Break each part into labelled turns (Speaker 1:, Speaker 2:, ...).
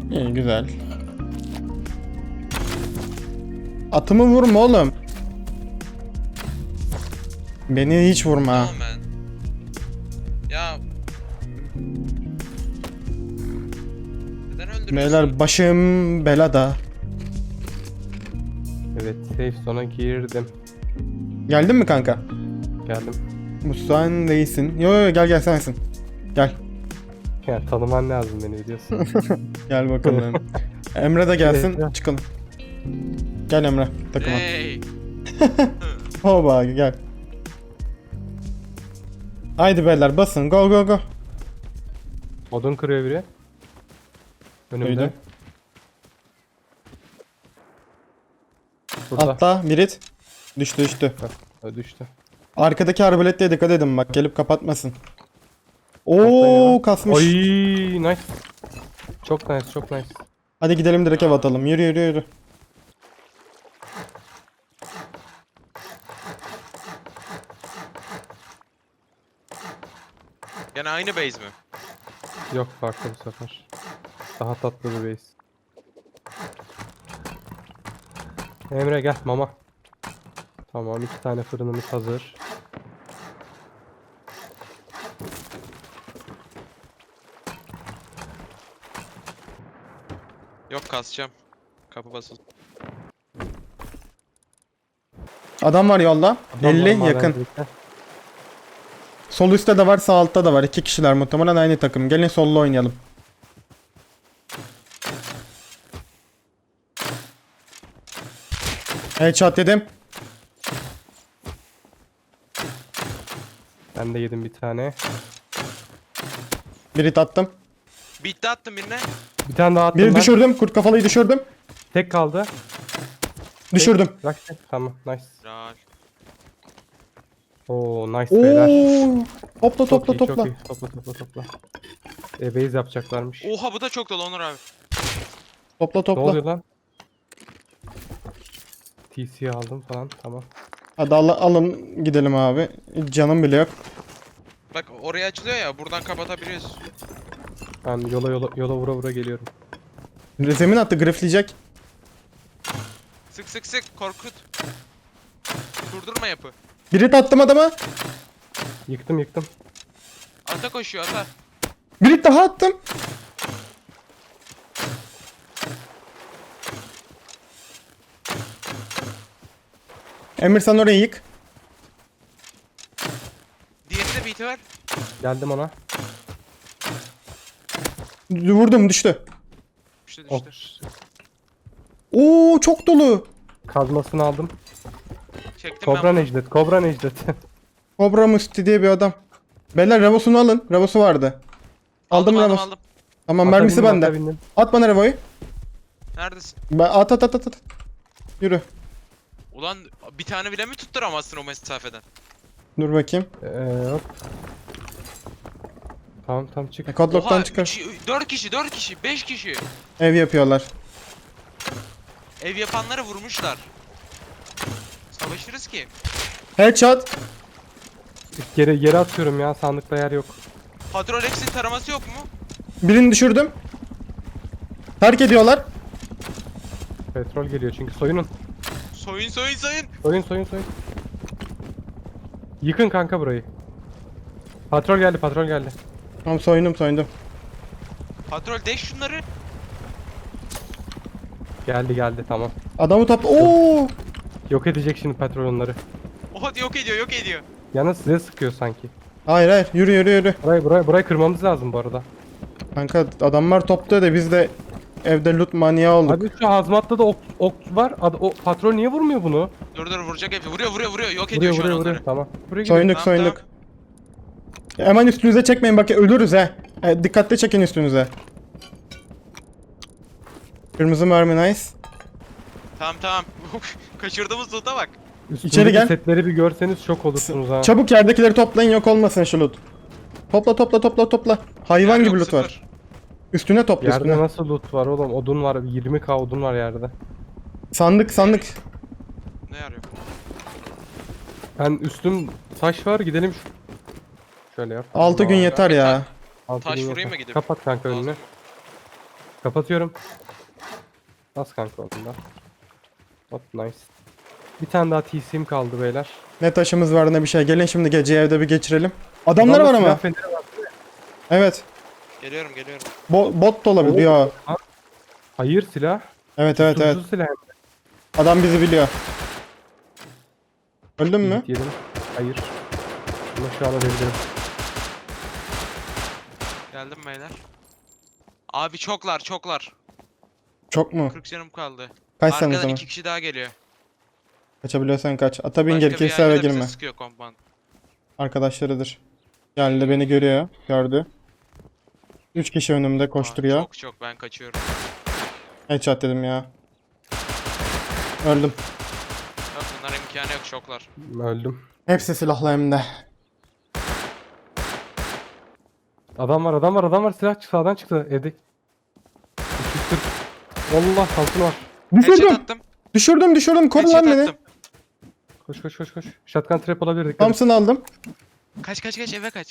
Speaker 1: İyi, güzel. Atımı vurma oğlum. Beni hiç vurma.
Speaker 2: Tamam ben. Ya. Neden öldürüyorsun?
Speaker 1: Beyler başım belada.
Speaker 3: Evet, safe zone'a girdim.
Speaker 1: Geldin mi kanka?
Speaker 3: Geldim.
Speaker 1: Bu sen değilsin. Yo gel sensin. Gel.
Speaker 3: Yani tanıman lazım beni biliyorsun.
Speaker 1: Gel bakalım. Emre de gelsin
Speaker 3: Evet.
Speaker 1: çıkalım. Gel Emre takıma.
Speaker 2: Hey.
Speaker 1: Hoba gel. Haydi beyler basın go go go.
Speaker 3: Odun kırıyor biri. Önümde.
Speaker 1: Duydum.
Speaker 3: Burada.
Speaker 1: Atla Birit. Düştü.
Speaker 3: Düştü.
Speaker 1: Arkadaki arbaletlere dikkat edin bak gelip kapatmasın.
Speaker 3: Atlayın.
Speaker 1: Oo kasmış.
Speaker 3: Ay nice. Çok nice, çok nice.
Speaker 1: Hadi gidelim direkt ev atalım. Yürü.
Speaker 2: Gene aynı base mi?
Speaker 3: Yok farklı bu sefer. Daha tatlı bir base. Emre gel mama. Tamam 2 tane fırınımız hazır.
Speaker 2: Yok kasacağım. Kapı basıldı.
Speaker 1: Adam var yolda.
Speaker 3: Adamlar
Speaker 1: 50 yakın.
Speaker 3: madencilikte.
Speaker 1: Sol üstte de var sağ altta da var. 2 kişiler muhtemelen aynı takım. Gelin sollu oynayalım. Headshot dedim.
Speaker 3: Ben de yedim bir tane.
Speaker 1: Birit attım.
Speaker 2: Bitti attım birine.
Speaker 3: Bir tane daha attım
Speaker 1: Biri
Speaker 3: ben.
Speaker 1: düşürdüm. Kurt kafalıyı düşürdüm.
Speaker 3: Tek kaldı.
Speaker 1: Düşürdüm.
Speaker 3: Bırak tek. Tamam nice.
Speaker 2: Ral.
Speaker 3: Oo nice beyler.
Speaker 1: Oo. Topla
Speaker 3: Çok
Speaker 1: topla
Speaker 3: iyi,
Speaker 1: topla.
Speaker 3: Çok iyi. Topla. Base yapacaklarmış.
Speaker 2: Oha bu da çok dolu Onur abi.
Speaker 1: Topla
Speaker 3: Ne
Speaker 1: topla.
Speaker 3: oluyor lan? TC aldım falan tamam.
Speaker 1: Hadi alın gidelim abi. Canım bile yok.
Speaker 2: Bak oraya açılıyor ya buradan kapatabiliyoruz.
Speaker 3: Ben yola vura geliyorum.
Speaker 1: Zemin attı grifleyecek.
Speaker 2: Sık korkut. Durdurma yapı.
Speaker 1: Birit attım adama.
Speaker 3: Yıktım.
Speaker 2: Ata koşuyor ata.
Speaker 1: Birit daha attım. Emir sen orayı yık.
Speaker 2: Diğeri de beat'i var.
Speaker 3: Geldim ona.
Speaker 1: Vurdum düştü.
Speaker 2: Düştü.
Speaker 3: Oh.
Speaker 1: Oo çok dolu.
Speaker 3: Kazmasını aldım.
Speaker 2: Çektim
Speaker 3: Kobra
Speaker 2: ben.
Speaker 3: Necdet. Kobra Necdet.
Speaker 1: Kobra Musti diye bir adam. Beyler revosunu alın. Revosu vardı. Aldım revos.
Speaker 2: Aldım.
Speaker 1: Tamam
Speaker 3: Ata
Speaker 1: mermisi
Speaker 3: bindim,
Speaker 1: bende.
Speaker 3: ata bindim.
Speaker 1: At bana revoyu.
Speaker 2: Neredesin?
Speaker 1: At. Yürü.
Speaker 2: Ulan bir tane bile mi tutturamazsın o mesafeden?
Speaker 1: Dur bakayım.
Speaker 3: Hop. Tamam çık.
Speaker 1: Kodloktan çıkar.
Speaker 2: 4 kişi 5 kişi.
Speaker 1: Ev yapıyorlar.
Speaker 2: Ev yapanları vurmuşlar. Savaşırız ki.
Speaker 1: Headshot.
Speaker 3: Yere atıyorum ya sandıkta yer yok.
Speaker 2: Patrolex'in taraması yok mu?
Speaker 1: Birini düşürdüm. Terk ediyorlar.
Speaker 3: Petrol geliyor çünkü soyunun.
Speaker 2: Soyun.
Speaker 3: Soyun. Yıkın kanka burayı. Patrol geldi.
Speaker 1: Tamam soyundum.
Speaker 2: Patrol deş şunları.
Speaker 3: Geldi tamam.
Speaker 1: Adamı topla. Oo!
Speaker 3: Yok edecek şimdi patrol onları.
Speaker 2: Oha yok ediyor.
Speaker 3: Yalnız size sıkıyor sanki.
Speaker 1: Hayır. Yürü.
Speaker 3: Burayı kırmamız lazım bu arada.
Speaker 1: Kanka adamlar topluyor da biz de evde loot manyağı olduk.
Speaker 3: Abi şu hazmatta da ok var. O patrol niye vurmuyor bunu?
Speaker 2: Dur vuracak hep. Vuruyor. Yok ediyor şu an onları.
Speaker 3: Tamam. Buraya gidelim.
Speaker 1: Soyunduk.
Speaker 2: Tamam.
Speaker 1: Hemen üstünüze çekmeyin bak ölürüz he. Dikkatli çekin üstünüze. Kırmızı mermi nice.
Speaker 2: Tamam. Kaçırdığımız loot'a bak.
Speaker 3: Üstündeki
Speaker 1: İçeri gel.
Speaker 3: setleri bir görseniz şok olursunuz ha.
Speaker 1: Çabuk yerdekileri toplayın yok olmasın şu loot. Topla. Hayvan
Speaker 2: Yer
Speaker 1: gibi
Speaker 2: yok,
Speaker 1: loot var.
Speaker 2: sıfır.
Speaker 1: Üstüne topla
Speaker 3: Yerde
Speaker 1: üstüne.
Speaker 3: nasıl loot var oğlum? Odun var. 20k odun var yerde.
Speaker 1: Sandık.
Speaker 2: Ne arıyor?
Speaker 3: Ben üstüm taş var. Gidelim şu. Şöyle yap.
Speaker 1: 6 gün yeter ya.
Speaker 3: Altı
Speaker 2: Taş
Speaker 3: gün
Speaker 2: vurayım
Speaker 3: yeter.
Speaker 2: mı gidip?
Speaker 3: Kapat kanka önünü. Kapatıyorum. Bas kanka ondan. Hop nice. Bir tane daha TC'm kaldı beyler.
Speaker 1: Ne taşımız var ne bir şey. Gelin şimdi geceyi evde bir geçirelim. Adamlar var
Speaker 3: Adamda
Speaker 1: ama.
Speaker 3: silah feneri var.
Speaker 1: Evet.
Speaker 2: Geliyorum geliyorum.
Speaker 1: Bot da olabilir. Yo.
Speaker 3: Hayır silah.
Speaker 1: Evet evet evet.
Speaker 3: Tuzlu silah.
Speaker 1: Adam bizi biliyor. Öldün mü?
Speaker 3: Yedim. Hayır. Ama şu an ölebilirim.
Speaker 2: Geldim beyler. Abi çoklar çoklar.
Speaker 1: Çok mu?
Speaker 2: 40 canım kaldı.
Speaker 1: Kaç sen o
Speaker 2: Arkadan
Speaker 1: zaman?
Speaker 2: 2 kişi daha geliyor.
Speaker 1: Kaçabiliyorsan kaç. Ata bin
Speaker 2: Başka bir
Speaker 1: gerekirse eve
Speaker 2: yerde de bize
Speaker 1: girme.
Speaker 2: sıkıyor compound.
Speaker 1: Arkadaşlarıdır. Geldi beni görüyor. Gördü. 3 kişi önümde
Speaker 2: Aa,
Speaker 1: koşturuyor.
Speaker 2: çok ben kaçıyorum.
Speaker 1: Headshot dedim ya. Öldüm.
Speaker 2: Yok bunlar imkanı yok şoklar.
Speaker 3: Öldüm.
Speaker 1: Hepsi silahlı hem de.
Speaker 3: Adam var adam var adam var. Silah sağdan çıktı evde. 240. Allah kalkın var.
Speaker 2: Headshot
Speaker 1: Düşürdüm.
Speaker 2: attım.
Speaker 1: Düşürdüm. Koru lan
Speaker 2: Headshot
Speaker 1: beni.
Speaker 2: attım.
Speaker 3: Koş koş koş koş. Shotgun trap olabilir dikkat et.
Speaker 1: Thompson aldım.
Speaker 2: Kaç eve kaç.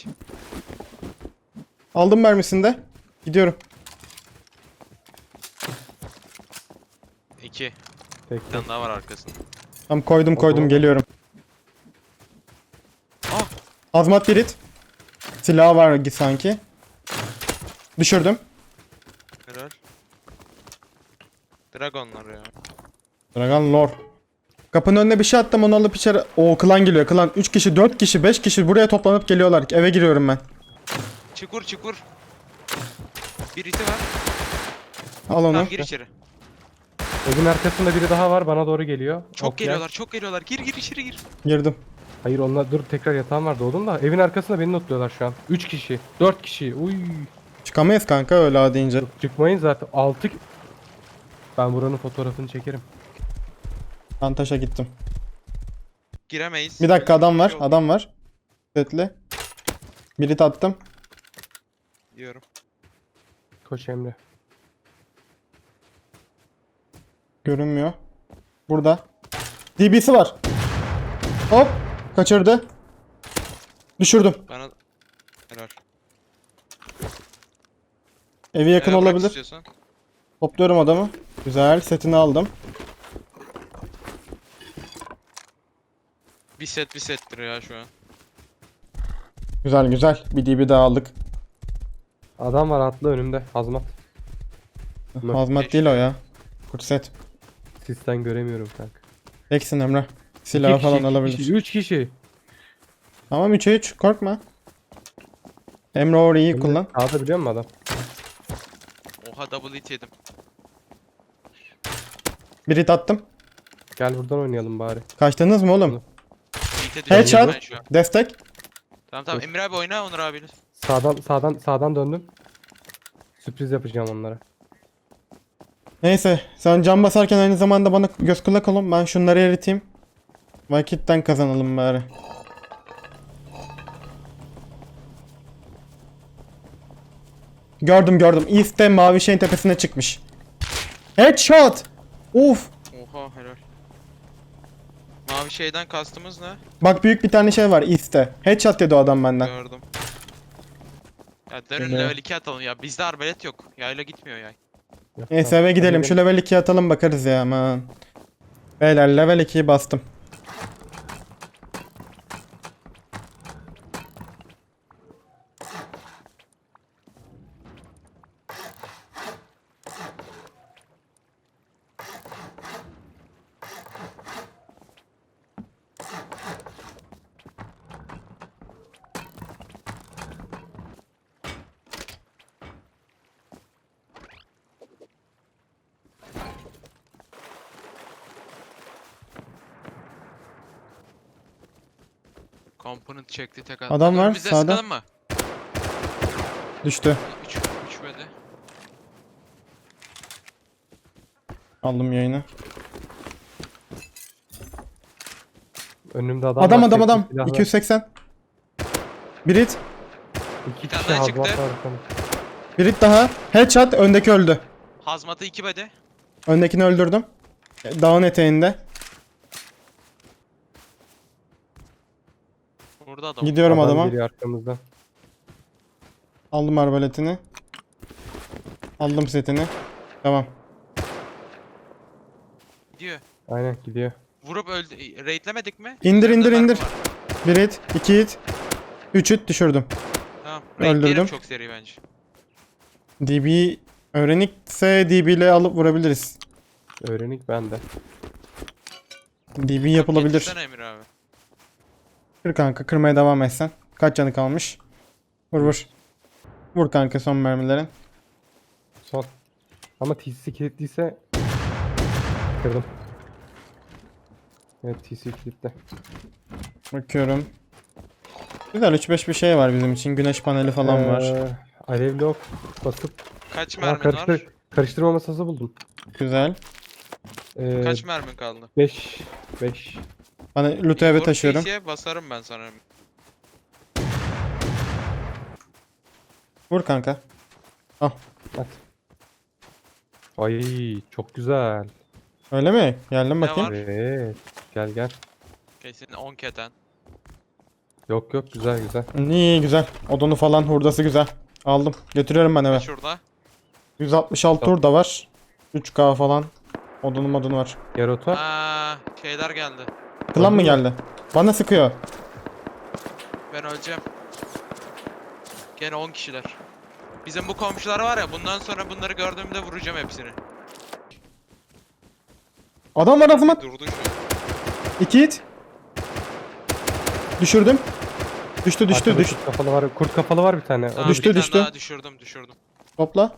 Speaker 1: Aldım mermisini de. Gidiyorum.
Speaker 2: 2.
Speaker 3: Tek
Speaker 2: Bir tane daha var arkasında.
Speaker 1: Tamam koydum
Speaker 3: Oho.
Speaker 1: geliyorum.
Speaker 2: Ah!
Speaker 1: Azmat birit. Silahı var sanki. Düşürdüm.
Speaker 2: Helal. Dragonlar ya.
Speaker 1: Dragon lore. Kapının önüne bir şey attım onu alıp içeri. Oo klan geliyor klan. 3 kişi 4 kişi 5 kişi buraya toplanıp geliyorlar. Eve giriyorum ben.
Speaker 2: Çukur. Bir iti var.
Speaker 1: Al onu.
Speaker 2: Tamam gir içeri.
Speaker 3: Evin arkasında biri daha var bana doğru geliyor.
Speaker 2: Çok
Speaker 3: Ok ya.
Speaker 2: geliyorlar çok geliyorlar. Gir içeri gir.
Speaker 1: Girdim.
Speaker 3: Hayır onlar dur tekrar yatağım var doğdum da. Evin arkasında beni notluyorlar şu an. 3 kişi. 4 kişi. Uy.
Speaker 1: Çıkamayız kanka öyle ha deyince.
Speaker 3: Çıkmayın zaten. 6. Ben buranın fotoğrafını çekerim.
Speaker 1: Ben taşa gittim.
Speaker 2: Giremeyiz.
Speaker 1: Bir dakika adam var.
Speaker 2: Şey oldu
Speaker 1: Adam var. Setli. Birit attım.
Speaker 2: diyorum.
Speaker 3: Koş Emre.
Speaker 1: Görünmüyor. Burada. DB'si var. Hop. Kaçırdı. Düşürdüm.
Speaker 2: Bana helal.
Speaker 1: Evi yakın
Speaker 2: Bırak
Speaker 1: olabilir.
Speaker 2: istiyorsan.
Speaker 1: Topluyorum adamı. Güzel. Setini aldım.
Speaker 2: Bir settir ya şu an.
Speaker 1: Güzel. Bir DB daha aldık.
Speaker 3: Adam var atlı önümde. Hazmat.
Speaker 1: Hazmat değil o ya. Kurt set.
Speaker 3: Sisten göremiyorum kanka.
Speaker 1: Teksin Emre. Silahı falan alabilir.
Speaker 3: 3 kişi.
Speaker 1: Tamam 3'e 3. Korkma. Emre orayı iyi kullan.
Speaker 3: Sağda biliyor musun adam?
Speaker 2: Oha double hit yedim.
Speaker 1: Birit attım.
Speaker 3: Gel buradan oynayalım bari.
Speaker 1: Kaçtınız mı oğlum?
Speaker 2: Hit'e düşürdüm
Speaker 1: Headshot.
Speaker 2: ben şu an.
Speaker 1: Destek.
Speaker 2: Tamam Emre abi oyna Onur abiyle.
Speaker 3: Sağdan döndüm. Sürpriz yapacağım onlara.
Speaker 1: Neyse. Sen cam basarken aynı zamanda bana göz kulak olun. Ben şunları eriteyim. Vakitten kazanalım bari. Gördüm. East'te mavi şeyin tepesine çıkmış. Headshot. Uf.
Speaker 2: Oha helal. Mavi şeyden kastımız ne?
Speaker 1: Bak büyük bir tane şey var East'te. Headshot dedi o adam benden.
Speaker 2: Gördüm. Ya dönün
Speaker 1: Öyle.
Speaker 2: level 2 atalım ya. Bizde arbalet yok. Yayla gitmiyor yay.
Speaker 1: Neyse eve gidelim. Şu level 2'ye atalım bakarız ya aman. Beyler level 2'yi bastım.
Speaker 2: Component çekti tek at.
Speaker 1: Adam var,
Speaker 2: Önümüzde
Speaker 1: sağda.
Speaker 2: sıkalım mı?
Speaker 1: Düştü.
Speaker 2: 3 böyle.
Speaker 1: Aldım yayını.
Speaker 3: Önümde adam
Speaker 1: Adam
Speaker 3: var,
Speaker 1: adam
Speaker 3: tekli
Speaker 1: adam.
Speaker 3: silahlı.
Speaker 1: 280. Birit.
Speaker 3: 2
Speaker 2: Bir tane
Speaker 3: kişi
Speaker 2: daha
Speaker 3: hazmat
Speaker 2: çıktı.
Speaker 3: var.
Speaker 1: Birit daha. Headshot öndeki öldü.
Speaker 2: Hazmatı 2 body.
Speaker 1: Öndekini öldürdüm. Dağın eteğinde.
Speaker 2: Burada adam.
Speaker 1: Gidiyorum
Speaker 3: Adam
Speaker 1: adama.
Speaker 3: geliyor arkamızdan.
Speaker 1: Aldım arbaletini. Aldım setini. Tamam.
Speaker 2: Gidiyor.
Speaker 3: Aynen gidiyor.
Speaker 2: Vurup öldü. Raidlemedik mi?
Speaker 1: İndir,
Speaker 2: Üzerinde
Speaker 1: indir,
Speaker 2: mermi
Speaker 1: indir.
Speaker 2: var.
Speaker 1: 1 hit, 2 hit, 3 hit düşürdüm.
Speaker 2: Tamam.
Speaker 1: Öldürdüm.
Speaker 2: Raidleyelim çok seri bence.
Speaker 1: DB öğrenikse DB ile alıp vurabiliriz.
Speaker 3: Öğrenik bende.
Speaker 1: DB yapılabilir.
Speaker 2: Yetişsene Emir abi.
Speaker 1: Kır kanka, kırmaya devam etsen. Kaç canı kalmış? Vur vur. Vur kanka son mermilerin.
Speaker 3: Son. Ama TC kilitliyse kırdım. Evet TC kilitli.
Speaker 1: Bakıyorum. Güzel 3-5 bir şey var bizim için. Güneş paneli falan var.
Speaker 3: Alevli ok basıp
Speaker 2: Kaç mermin var?
Speaker 3: karıştırma masası buldum.
Speaker 1: Güzel.
Speaker 2: Kaç mermin kaldı?
Speaker 3: 5 5.
Speaker 1: Bana loot'u eve
Speaker 2: Zor
Speaker 1: taşıyorum.
Speaker 2: PC'ye basarım ben sana.
Speaker 1: Vur kanka. Al.
Speaker 3: At. Ay çok güzel.
Speaker 1: Öyle mi? Geldim
Speaker 2: Ne
Speaker 1: bakayım.
Speaker 2: var?
Speaker 3: Evet. Gel gel.
Speaker 2: Kesin 10 keten.
Speaker 3: Yok yok güzel güzel.
Speaker 1: İyi güzel. Odunu falan hurdası güzel. Aldım. Götürüyorum ben eve.
Speaker 2: Şurada.
Speaker 1: 166 hurda var. 3K falan. Odunu var.
Speaker 3: Yaroto.
Speaker 2: Şeyler geldi.
Speaker 1: Klan mı
Speaker 3: Öldü mü?
Speaker 1: geldi? Bana sıkıyor.
Speaker 2: Ben öleceğim. Gene 10 kişiler. Bizim bu komşular var ya, bundan sonra bunları gördüğümde vuracağım hepsini.
Speaker 1: Adam var ağzıma.
Speaker 2: Durdu şu an.
Speaker 1: 2 hit. Düşürdüm. Düştü
Speaker 3: Arkada
Speaker 1: düştü.
Speaker 3: Kurt kafalı var. Kurt kafalı var bir tane.
Speaker 2: Tamam,
Speaker 1: düştü,
Speaker 2: bir tane
Speaker 1: düştü.
Speaker 2: daha düşürdüm.
Speaker 1: Topla.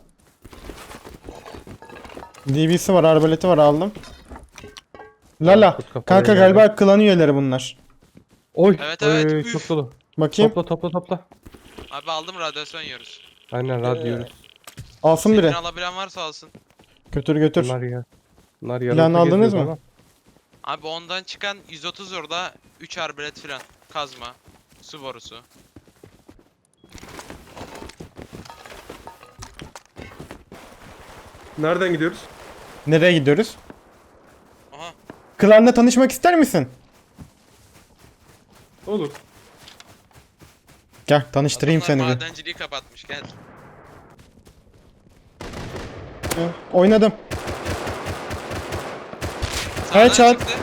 Speaker 1: DB'si var, arbaleti var, aldım. Lala.
Speaker 3: Kurt kafalı
Speaker 1: Kanka
Speaker 3: geldi.
Speaker 1: galiba klan üyeleri bunlar.
Speaker 3: Oy.
Speaker 2: Evet, evet,
Speaker 3: oy,
Speaker 2: üf.
Speaker 3: çok dolu.
Speaker 1: Bakayım.
Speaker 3: Topla.
Speaker 2: Abi aldım, radyasyon yiyoruz.
Speaker 3: Aynen radyo.
Speaker 1: Alsın biri.
Speaker 2: Senin alabilen varsa alsın.
Speaker 1: Götür.
Speaker 3: Bunlar ya. Bunlar
Speaker 1: Plan
Speaker 3: Yaroto
Speaker 1: aldınız
Speaker 3: geziyor
Speaker 1: mı?
Speaker 3: ama.
Speaker 2: Abi ondan çıkan 130 orada 3 arbelet filan. Kazma. Su borusu.
Speaker 4: Nereden gidiyoruz?
Speaker 1: Nereye gidiyoruz?
Speaker 2: Aha.
Speaker 1: Klanla tanışmak ister misin?
Speaker 4: Olur.
Speaker 1: Gel tanıştırayım
Speaker 2: Adamlar
Speaker 1: seni bir.
Speaker 2: madenciliği kapatmış, gel.
Speaker 1: Oynadım.
Speaker 2: Sağdan
Speaker 1: Headshot.
Speaker 2: çıktı.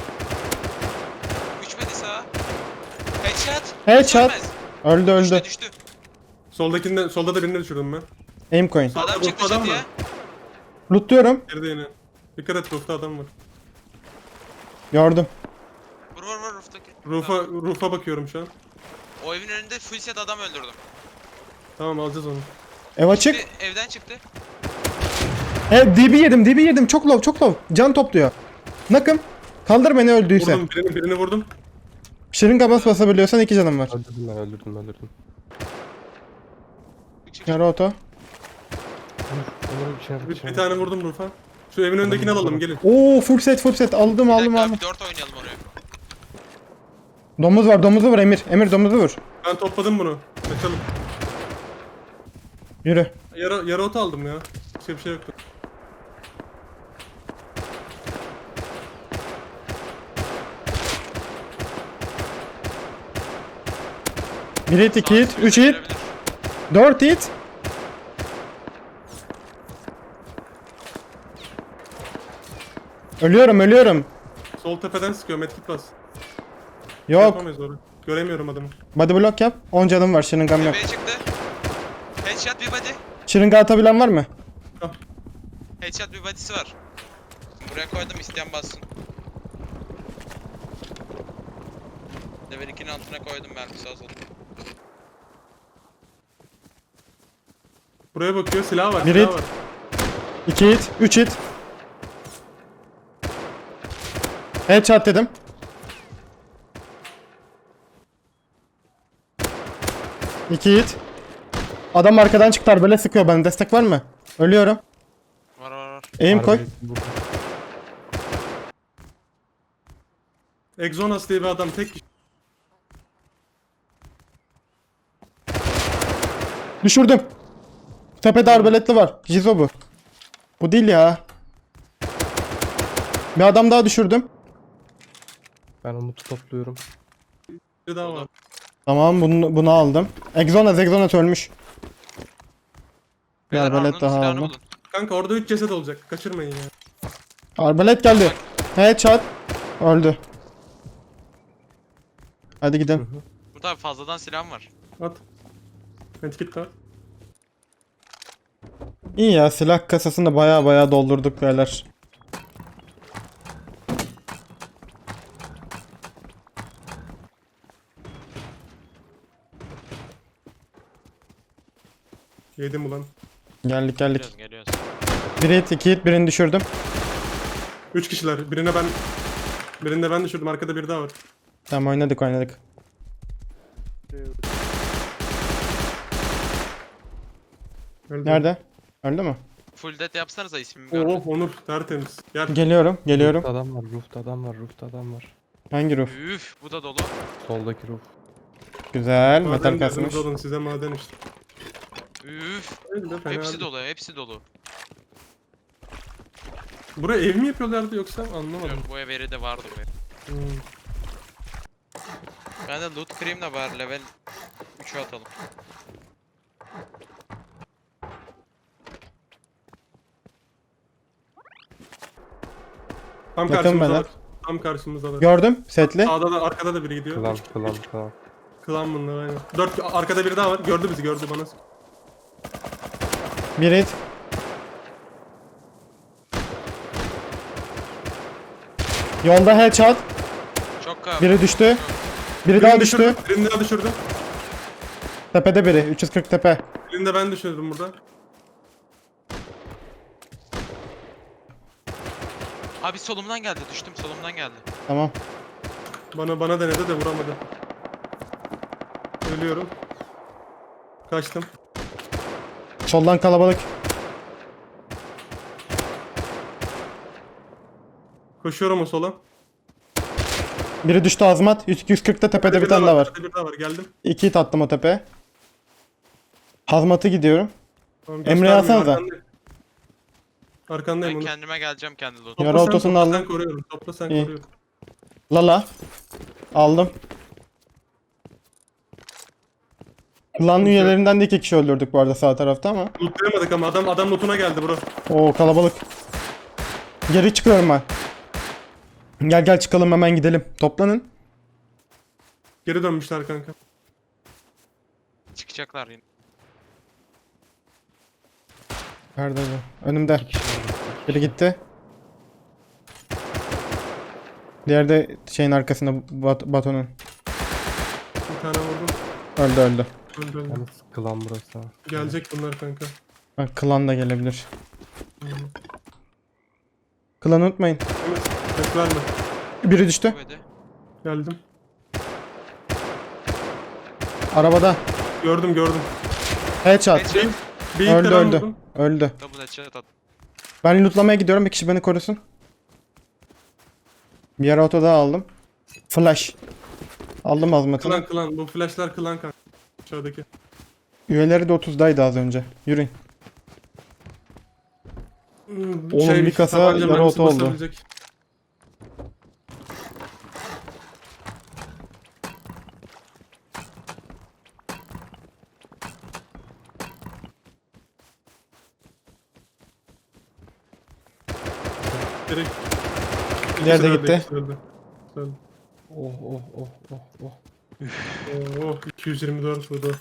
Speaker 2: Uçmadı sağa. Headshot.
Speaker 1: Headshot.
Speaker 2: Sönmez.
Speaker 1: Öldü.
Speaker 2: Düştü.
Speaker 4: Solda da birini düşürdüm ben.
Speaker 1: Aim coin.
Speaker 2: Adam çıktı
Speaker 4: Adam
Speaker 2: çatıya.
Speaker 4: var.
Speaker 1: Lootluyorum.
Speaker 4: Geride yine. Dikkat et, roof'ta adam var.
Speaker 1: Gördüm.
Speaker 2: Vur rooftaki.
Speaker 4: Roof'a bakıyorum şu an.
Speaker 2: O evin önünde full set adam öldürdüm.
Speaker 4: Tamam, alacağız onu.
Speaker 1: Ev açık.
Speaker 2: Evden çıktı.
Speaker 1: DB yedim. Çok low. Can topluyor. Nakım. Kaldır beni öldüyse.
Speaker 4: Vurdum, birini vurdum.
Speaker 1: Şırınga basabiliyorsan 2 canım var.
Speaker 3: Öldürdüm.
Speaker 2: Çık.
Speaker 1: Yarı oto.
Speaker 3: Onları bir şey
Speaker 4: Bir tane vurdum roof'a. Şu evin önündekini alalım, gelin.
Speaker 1: Oo full set. Aldım.
Speaker 2: Bir 4 oynayalım oraya.
Speaker 1: Domuzu vur Emir. Emir domuzu vur.
Speaker 4: Ben topladım bunu. Kaçalım.
Speaker 1: Yürü.
Speaker 4: Yarı ot aldım ya. Bir şey yoktu.
Speaker 1: Bir hit, 2 hit,
Speaker 2: Sağ
Speaker 1: 3 hit,
Speaker 2: gelebilir.
Speaker 1: 4 hit. Ölüyorum.
Speaker 4: Sol tepeden sıkıyor, medkit bas.
Speaker 1: Yok.
Speaker 4: Yapamayız orayı. Göremiyorum adamı.
Speaker 1: Body block yap. 10 canım var. Şırıngam yok.
Speaker 2: Tepeye çıktı. Headshot bir body.
Speaker 1: Şırınga atabilen var mı?
Speaker 2: Headshot bir body'si var. Buraya koydum, isteyen bassın. Level 2'nin altına koydum mermisi az oldu.
Speaker 4: Buraya bakıyor, silah var.
Speaker 1: Bir
Speaker 4: Silah
Speaker 1: hit.
Speaker 4: var.
Speaker 1: 2 hit, 3 hit. Headshot dedim. İki hit. Adam arkadan çıktı, böyle sıkıyor bana. Destek var mı? Ölüyorum.
Speaker 2: Var.
Speaker 1: Aim koy.
Speaker 4: Exonas diye bir adam, tek kişi.
Speaker 1: Düşürdüm. Tepede arbaletli var. Jizo bu. Bu değil ya. Bir adam daha düşürdüm.
Speaker 3: Ben Umut'u topluyorum.
Speaker 4: Bir daha var.
Speaker 1: Tamam bunu aldım. Exonas ölmüş.
Speaker 2: Beyler,
Speaker 1: arbalet
Speaker 2: Harun'un
Speaker 1: daha
Speaker 2: silahını
Speaker 1: aldım.
Speaker 2: bulun.
Speaker 4: Kanka orada 3 ceset olacak. Kaçırmayın ya.
Speaker 1: Arbalet geldi. Headshot. Öldü. Hadi gidelim.
Speaker 2: Burada fazladan silahım var.
Speaker 4: At. Medkit de at.
Speaker 1: İyi ya, silah kasasını da baya doldurduk beyler.
Speaker 4: Yedim ulan.
Speaker 1: Geldik.
Speaker 2: Geliyoruz.
Speaker 1: Biri hit, 2 hit, birini düşürdüm.
Speaker 4: 3 kişiler. Birinde ben düşürdüm. Arkada biri daha var.
Speaker 1: Tamam, oynadık.
Speaker 4: Öldü.
Speaker 1: Nerede? Öldü mü?
Speaker 2: Full death yapsanıza, ismimi
Speaker 4: Oo
Speaker 2: gördüm.
Speaker 4: Onur tertemiz. Gel.
Speaker 1: Geliyorum.
Speaker 3: Roof'ta adam var.
Speaker 1: Hangi roof?
Speaker 2: Üf, bu da dolu.
Speaker 3: Soldaki roof.
Speaker 1: Güzel.
Speaker 4: Maden
Speaker 1: Metal
Speaker 4: derdiniz
Speaker 1: kasmış.
Speaker 4: olun size maden işte.
Speaker 2: Üf,
Speaker 4: Öyle de fena
Speaker 2: hepsi
Speaker 4: değil.
Speaker 2: dolu, hepsi dolu.
Speaker 4: Buraya ev mi yapıyorlardı yoksa anlamadım.
Speaker 2: Yok, bu evleri de vardı bu ev.
Speaker 4: Hmm.
Speaker 2: Ben de loot cream de var, level 3'e atalım.
Speaker 4: Tam
Speaker 1: Yakın
Speaker 4: karşımızdalar.
Speaker 1: beyler.
Speaker 4: Tam karşımızdalar.
Speaker 1: Gördüm. Setli.
Speaker 4: Sağda da arkada da biri gidiyor.
Speaker 3: Klan.
Speaker 4: Klan bunlar aynen. 4 arkada biri daha var. Gördü bizi bana.
Speaker 1: Bir hit. Yolda headshot.
Speaker 2: Çok kal.
Speaker 1: Biri düştü. Biri daha düştü.
Speaker 4: Birini daha düşürdüm.
Speaker 1: Tepede biri. 340 tepe.
Speaker 4: Birini de ben düşürdüm burada.
Speaker 2: Abi solumdan geldi, düştüm, solumdan geldi.
Speaker 1: Tamam.
Speaker 4: Bana denedi de vuramadı. Ölüyorum. Kaçtım.
Speaker 1: Soldan kalabalık.
Speaker 4: Koşuyorum o sola.
Speaker 1: Biri düştü, azmat. 140'ta tepede bir tane daha var.
Speaker 4: Bir daha var. Geldim.
Speaker 1: 2 hit attım o tepeye. Hazmat'ı gidiyorum.
Speaker 4: Tamam,
Speaker 1: Emre'yi
Speaker 4: göstermiyorum,
Speaker 1: alsanıza.
Speaker 4: arkandayım. Arkandayım
Speaker 2: Ben
Speaker 4: onu.
Speaker 2: kendime geleceğim kendi loot'um.
Speaker 4: Topla
Speaker 1: Yara
Speaker 4: sen,
Speaker 1: otosunu
Speaker 4: topla
Speaker 1: aldım.
Speaker 4: sen koruyorum. Topla sen
Speaker 1: İyi.
Speaker 4: koruyorum.
Speaker 1: Lala. Aldım. Klan üyelerinden de 2 kişi öldürdük bu arada sağ tarafta ama.
Speaker 4: Lootlayamadık ama adam lootuna geldi bro.
Speaker 1: Oo, kalabalık. Geri çıkıyorum ben. Gel çıkalım, hemen gidelim. Toplanın.
Speaker 4: Geri dönmüşler kanka.
Speaker 2: Çıkacaklar yine.
Speaker 1: Nerede bu? Önümde. Biri gitti. Diğeri de şeyin arkasında, batonun.
Speaker 4: Bir tane vurdum.
Speaker 1: Öldü.
Speaker 4: Öldü.
Speaker 3: Yalnız klan burası. ha.
Speaker 4: Gelecek bunlar kanka.
Speaker 1: Bak, klan da gelebilir. Klanı unutmayın.
Speaker 4: Evet. Ses verme.
Speaker 1: Biri düştü.
Speaker 2: Böyle.
Speaker 4: Geldim.
Speaker 1: Arabada.
Speaker 4: Gördüm.
Speaker 1: Headshot.
Speaker 2: Headshot.
Speaker 4: Bir
Speaker 1: Öldü
Speaker 4: ilk
Speaker 1: öldü.
Speaker 4: vurdum.
Speaker 1: Öldü.
Speaker 2: Double headshot at.
Speaker 1: Ben lootlamaya gidiyorum. Bir kişi beni korusun. Bir yere oto daha aldım. Flash. Aldım azmatını.
Speaker 4: Klan. Bu flashlar klan kanka. Aşağıdaki.
Speaker 1: Üyeleri de 30'daydı az önce. Yürüyün. Oğlum, bir kasa
Speaker 4: tabanca
Speaker 1: yarı
Speaker 4: mermisi
Speaker 1: oto oldu.
Speaker 4: basabilecek. Direkt.
Speaker 1: Diğer de
Speaker 4: İkisi
Speaker 1: gitti.
Speaker 4: ikisi öldü. Öldü.
Speaker 3: Oh.
Speaker 4: Oo, 224 vurdu.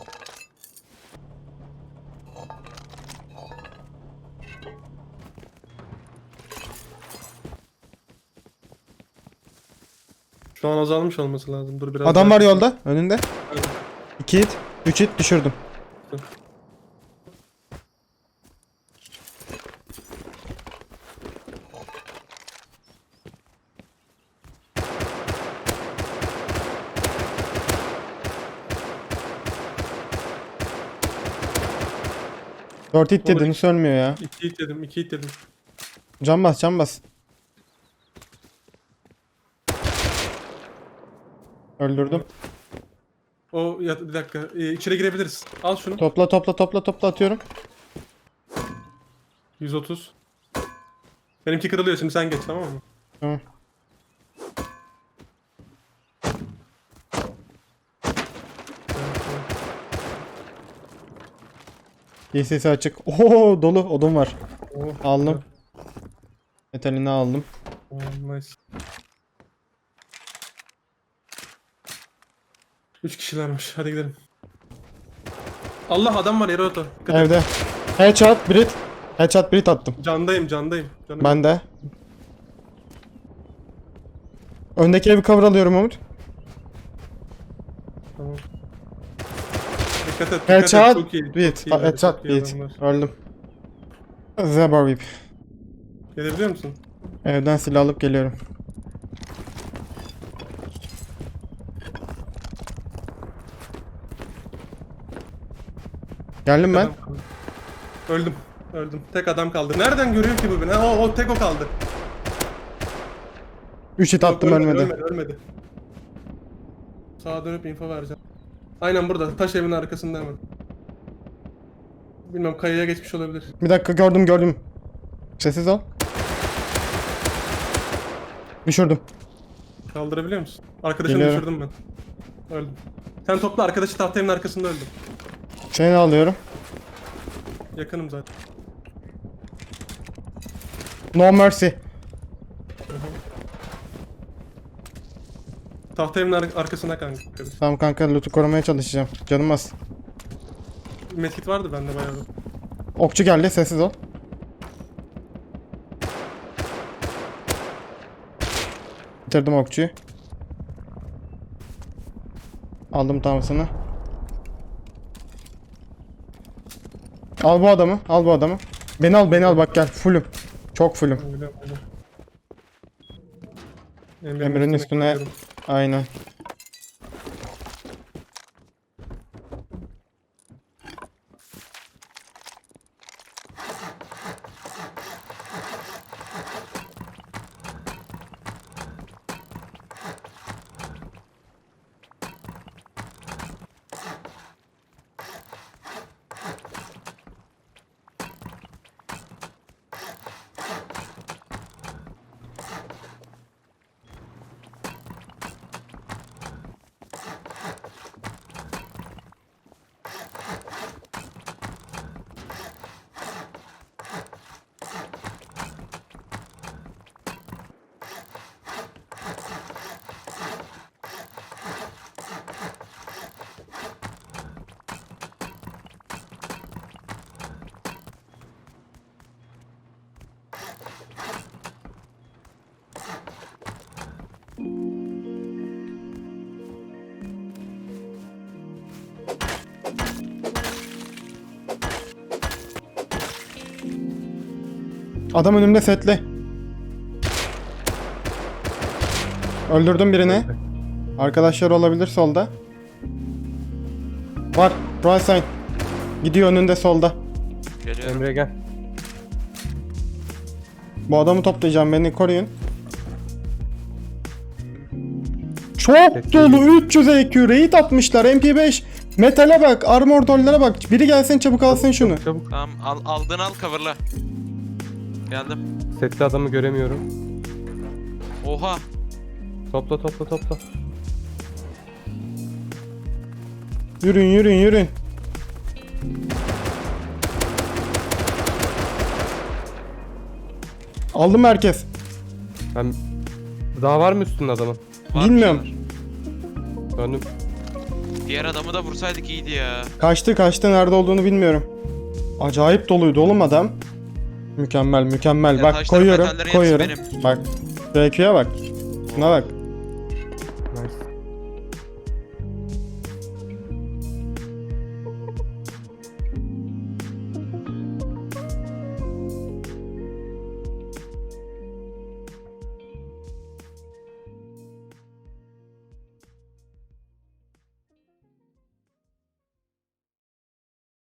Speaker 4: Şu an azalmış olması lazım. Dur biraz
Speaker 1: Adam
Speaker 4: daha-
Speaker 1: var yolda. Önünde.
Speaker 4: Evet.
Speaker 1: 2 hit. 3 hit düşürdüm. Dört hit
Speaker 4: Olur.
Speaker 1: dedin, sönmüyor ya.
Speaker 4: 2 hit dedim.
Speaker 1: Can bas. Öldürdüm.
Speaker 4: O ya, bir dakika. İçeri girebiliriz. Al şunu.
Speaker 1: Topla atıyorum.
Speaker 4: 130. Benimki kırılıyor şimdi sen geç tamam mı?
Speaker 1: Tamam. DC'si açık. Oo dolu odun var.
Speaker 4: Oh,
Speaker 1: Aldım. Metalini aldım.
Speaker 4: oh, nice. 3 kişilermiş. Hadi gidelim. Allah adam var yere oto. Dikkat et.
Speaker 1: Evde. Headshot Brit. Headshot Brit attım.
Speaker 4: Candayım. Canım.
Speaker 1: Ben de. Öndeki evi cover alıyorum Umut.
Speaker 4: Tamam. Dikkat et.
Speaker 1: Headshot
Speaker 4: Çok iyi.
Speaker 1: Brit.
Speaker 4: Çok iyi,
Speaker 1: Headshot
Speaker 4: çok iyi
Speaker 1: Brit.
Speaker 4: adamlar.
Speaker 1: Öldüm. Zeba Rip.
Speaker 4: Gelebiliyor musun?
Speaker 1: Evden silah alıp geliyorum. Geldim ben.
Speaker 4: Adam kaldı. Öldüm. Tek adam kaldı. Nereden görüyor ki bu beni? Ha, o tek o kaldı.
Speaker 1: 3 hit
Speaker 4: Yok,
Speaker 1: attım ölmedi.
Speaker 4: Ölmedi. Sağa dönüp info vereceğim. Aynen burada. Taş evin arkasında hemen. Bilmem kayaya geçmiş olabilir.
Speaker 1: Bir dakika gördüm. Sessiz ol. Düşürdüm.
Speaker 4: Kaldırabiliyor musun? Arkadaşını
Speaker 1: Geliyorum.
Speaker 4: düşürdüm ben. Öldüm. Sen topla arkadaşı tahta evin arkasında öldüm.
Speaker 1: Seni alıyorum.
Speaker 4: Yakınım zaten.
Speaker 1: No mercy.
Speaker 4: Tahta evin arkasına kanka.
Speaker 1: Tamam kanka loot'u korumaya çalışacağım. Canım az.
Speaker 4: Medkit vardı bende bayağı da.
Speaker 1: Okçu geldi sessiz ol. Bitirdim okçuyu. Aldım tamsını. Al bu adamı. Beni al bak gel fullüm. Çok fullüm.
Speaker 4: Öyle.
Speaker 1: Emre'nin üstüne
Speaker 4: koyuyorum.
Speaker 1: aynen. Adam önümde setli. Öldürdüm birini. Arkadaşlar olabilir solda. Var. Right side. Gidiyor önünde solda.
Speaker 2: Geliyorum.
Speaker 3: Emre gel.
Speaker 1: Bu adamı toplayacağım. Beni koruyun. Çok dolu 300 EQ raid atmışlar. MP5. Metale bak. Armor dolllara bak. Biri gelsin çabuk alsın şunu.
Speaker 3: Çabuk.
Speaker 2: Tamam aldın al coverla. Geldim.
Speaker 3: Setli adamı göremiyorum.
Speaker 2: Oha.
Speaker 3: Topla.
Speaker 1: Yürün. Aldım herkes.
Speaker 3: Ben... Daha var mı üstünde adamın?
Speaker 2: Var
Speaker 1: Bilmiyorum.
Speaker 2: bir şeyler.
Speaker 3: Döndüm.
Speaker 2: Diğer adamı da vursaydık iyiydi ya.
Speaker 1: Kaçtı nerede olduğunu bilmiyorum. Acayip doluydu oğlum adam. Mükemmel.
Speaker 2: Ya
Speaker 1: Bak
Speaker 2: taşların,
Speaker 1: koyuyorum.
Speaker 2: metallerin hepsi benim.
Speaker 1: Bak. BQ'ya bak. Buna bak.